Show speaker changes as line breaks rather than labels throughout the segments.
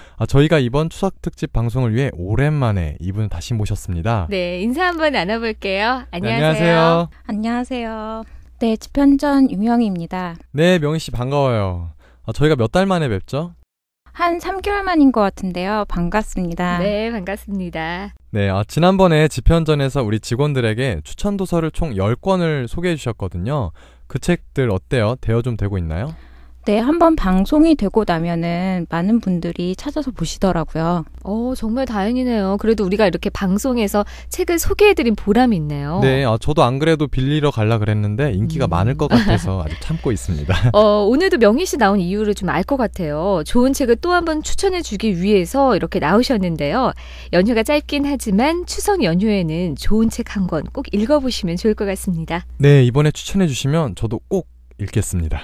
저희가 이번 추석 특집 방송을 위해 오랜만에 이분을 다시 모셨습니다.
네, 인사 한번 나눠볼게요. 안녕하세요.
네, 안녕하세요.
안녕하세요. 네, 집현전 유명희입니다.
네, 명희 씨 반가워요. 저희가 몇 달 만에 뵙죠?
한 3개월 만인 것 같은데요. 반갑습니다.
네, 반갑습니다.
네, 지난번에 집현전에서 우리 직원들에게 추천 도서를 총 10권을 소개해 주셨거든요. 그 책들 어때요? 대여 좀 되고 있나요?
네, 한번 방송이 되고 나면은 많은 분들이 찾아서 보시더라고요.
정말 다행이네요. 그래도 우리가 이렇게 방송에서 책을 소개해드린 보람이 있네요.
네, 저도 안 그래도 빌리러 가려고 그랬는데 인기가 많을 것 같아서 아직 참고 있습니다.
오늘도 명희 씨 나온 이유를 좀 알 것 같아요. 좋은 책을 또 한 번 추천해주기 위해서 이렇게 나오셨는데요. 연휴가 짧긴 하지만 추석 연휴에는 좋은 책 한 권 꼭 읽어보시면 좋을 것 같습니다.
네, 이번에 추천해 주시면 저도 꼭 읽겠습니다.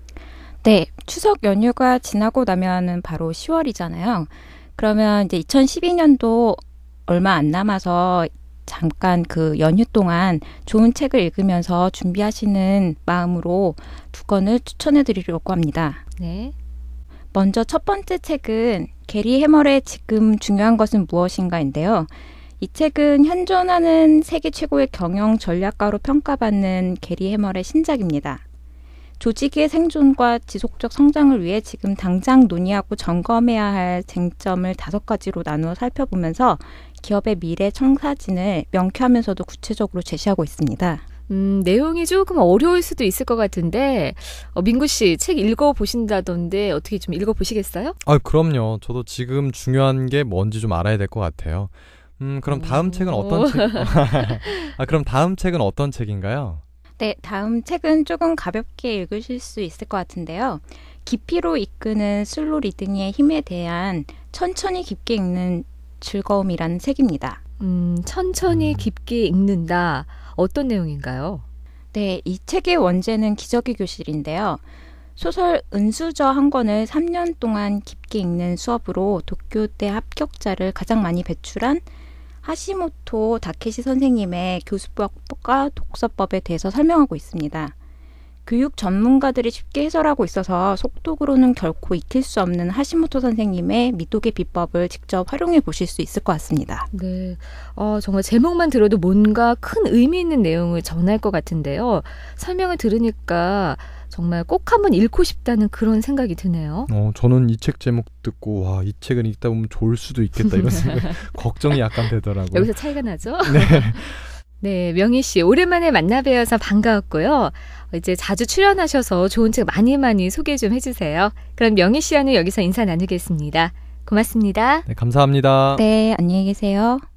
네, 추석 연휴가 지나고 나면은 바로 10월이잖아요. 그러면 이제 2012년도 얼마 안 남아서 잠깐 그 연휴 동안 좋은 책을 읽으면서 준비하시는 마음으로 2권을 추천해 드리려고 합니다.
네.
먼저 첫 번째 책은 게리 해멀의 지금 중요한 것은 무엇인가인데요. 이 책은 현존하는 세계 최고의 경영 전략가로 평가받는 게리 해멀의 신작입니다. 조직의 생존과 지속적 성장을 위해 지금 당장 논의하고 점검해야 할 쟁점을 5가지로 나누어 살펴보면서 기업의 미래 청사진을 명쾌하면서도 구체적으로 제시하고 있습니다.
내용이 조금 어려울 수도 있을 것 같은데 민구 씨 책 읽어보신다던데 어떻게 좀 읽어보시겠어요?
그럼요. 저도 지금 중요한 게 뭔지 좀 알아야 될 것 같아요. 그럼 다음 책은 어떤 책? 그럼 다음 책은 어떤 책인가요?
네, 다음 책은 조금 가볍게 읽으실 수 있을 것 같은데요. 깊이로 이끄는 슬로 리딩의 힘에 대한 천천히 깊게 읽는 즐거움이라는 책입니다.
천천히 깊게 읽는다. 어떤 내용인가요?
네, 이 책의 원제는 기적의 교실인데요. 소설 은수저 한 권을 3년 동안 깊게 읽는 수업으로 도쿄대 합격자를 가장 많이 배출한 하시모토 다케시 선생님의 교수법과 독서법에 대해서 설명하고 있습니다. 교육 전문가들이 쉽게 해설하고 있어서 속독으로는 결코 익힐 수 없는 하시모토 선생님의 미독의 비법을 직접 활용해 보실 수 있을 것 같습니다.
네, 정말 제목만 들어도 뭔가 큰 의미 있는 내용을 전할 것 같은데요. 설명을 들으니까 정말 꼭 한번 읽고 싶다는 그런 생각이 드네요.
저는 이 책 제목 듣고 이 책을 읽다 보면 좋을 수도 있겠다 이런 생각, 걱정이 약간 되더라고요.
여기서 차이가 나죠?
네.
네, 명희 씨 오랜만에 만나 뵈어서 반가웠고요. 이제 자주 출연하셔서 좋은 책 많이 소개 좀 해주세요. 그럼 명희 씨와는 여기서 인사 나누겠습니다. 고맙습니다.
네, 감사합니다.
네, 안녕히 계세요.